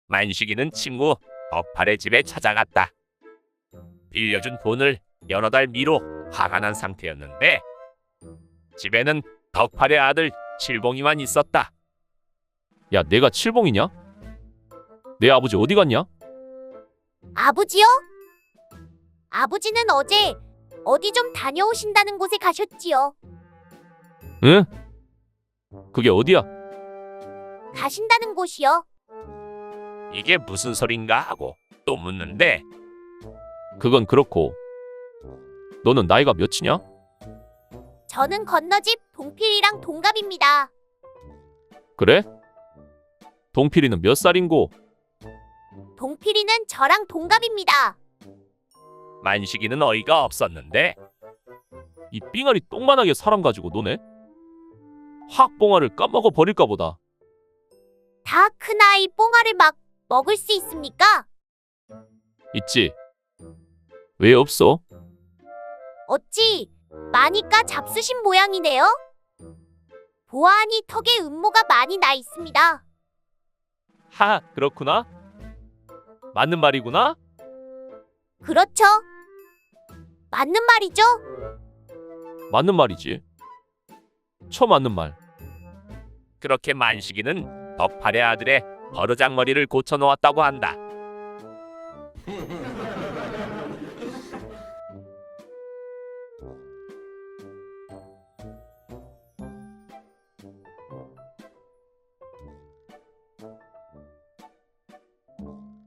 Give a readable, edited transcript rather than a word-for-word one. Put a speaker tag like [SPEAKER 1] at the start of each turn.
[SPEAKER 1] 만식이는 친구 덕팔의 집에 찾아갔다. 빌려준 돈을 여러 달 미로 화가 난 상태였는데 집에는 덕팔의 아들 칠봉이만 있었다. 야, 내가 칠봉이냐? 내 아버지 어디 갔냐?
[SPEAKER 2] 아버지요? 아버지는 어제 어디 좀 다녀오신다는 곳에 가셨지요.
[SPEAKER 1] 응? 그게 어디야?
[SPEAKER 2] 가신다는 곳이요.
[SPEAKER 1] 이게 무슨 소린가 하고 또 묻는데 그건 그렇고 너는 나이가 몇이냐?
[SPEAKER 2] 저는 건너집 동필이랑 동갑입니다.
[SPEAKER 1] 그래? 동필이는 몇 살인고?
[SPEAKER 2] 동필이는 저랑 동갑입니다.
[SPEAKER 1] 만식이는 어이가 없었는데 이 삥아리 똥만하게 사람 가지고 노네? 확 뽕아를 까먹어 버릴까 보다.
[SPEAKER 2] 다 큰아이 뽕알을 막 먹을 수 있습니까?
[SPEAKER 1] 있지. 왜 없어?
[SPEAKER 2] 어찌 마니까 잡수신 모양이네요. 보아하니 턱에 음모가 많이 나 있습니다.
[SPEAKER 1] 하, 그렇구나. 맞는 말이구나.
[SPEAKER 2] 그렇죠? 맞는 말이죠?
[SPEAKER 1] 맞는 말이지. 맞는 말. 그렇게 만식이는 덕팔의 아들의 버르장머리를 고쳐놓았다고 한다.